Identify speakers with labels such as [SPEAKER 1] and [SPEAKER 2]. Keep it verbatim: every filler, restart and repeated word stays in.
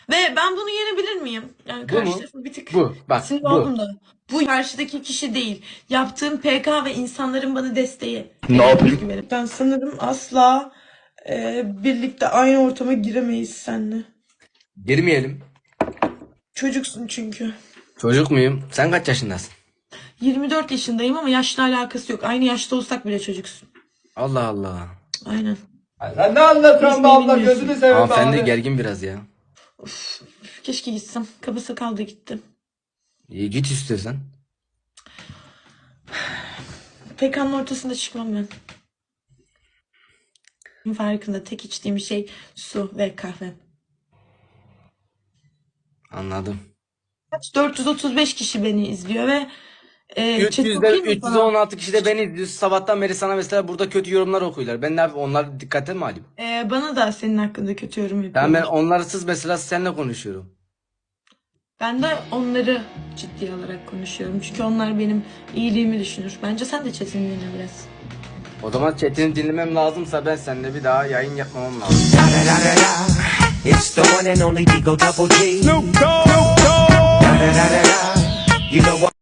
[SPEAKER 1] Ve ben bunu yenebilir miyim? Yani
[SPEAKER 2] Bu
[SPEAKER 1] karşı
[SPEAKER 2] mu?
[SPEAKER 1] tarafı bir tık
[SPEAKER 2] Bu. Bak
[SPEAKER 1] sinir
[SPEAKER 2] bu.
[SPEAKER 1] oldum da. Bu karşıdaki kişi değil. Yaptığım P K ve insanların bana desteği.
[SPEAKER 3] Ne
[SPEAKER 1] Benim
[SPEAKER 3] yapayım?
[SPEAKER 1] özgüvenim. Ben sanırım asla e, birlikte aynı ortama giremeyiz seninle.
[SPEAKER 2] Girmeyelim.
[SPEAKER 1] Çocuksun çünkü.
[SPEAKER 2] Çocuk muyum? Sen kaç yaşındasın?
[SPEAKER 1] yirmi dört yaşındayım ama yaşla alakası yok. Aynı yaşta olsak bile çocuksun.
[SPEAKER 2] Allah Allah.
[SPEAKER 1] Aynen.
[SPEAKER 3] Sen ne anlatıyorsun be
[SPEAKER 1] Hiç
[SPEAKER 3] abla?
[SPEAKER 1] bilmiyorsun.
[SPEAKER 3] Gözünü seveyim be
[SPEAKER 2] Hanımefendi
[SPEAKER 3] abi.
[SPEAKER 2] gergin biraz ya.
[SPEAKER 1] Uf, keşke gitsem. Kaba sakal da gitti.
[SPEAKER 2] İyi git istiyorsan.
[SPEAKER 1] P K'nın ortasında çıkmam ben. Farkında tek içtiğim şey su ve kahve.
[SPEAKER 2] Anladım.
[SPEAKER 1] dört yüz otuz beş kişi beni izliyor ve e, chat
[SPEAKER 2] üç yüzde
[SPEAKER 1] okuyayım mı
[SPEAKER 2] üç yüz
[SPEAKER 1] sana?
[SPEAKER 2] on altı kişi de beni izliyor. Sabahtan beri sana mesela burada kötü yorumlar okuyorlar. Ben ne yapayım? Onları dikkate mi alayım?
[SPEAKER 1] E, bana da senin hakkında kötü yorum
[SPEAKER 2] Ben ben
[SPEAKER 1] yapıyorlar.
[SPEAKER 2] onlarsız mesela seninle konuşuyorum.
[SPEAKER 1] Ben de onları ciddiye alarak konuşuyorum. Çünkü onlar benim iyiliğimi düşünür. Bence sen de chatini dinle biraz.
[SPEAKER 2] O zaman chatini dinlemem lazımsa ben seninle bir daha yayın yapmamam lazım.
[SPEAKER 4] Da da da da da. It's the one and only Digo Double G.
[SPEAKER 3] Snoop Dogg.
[SPEAKER 4] Da da da da da. You know what?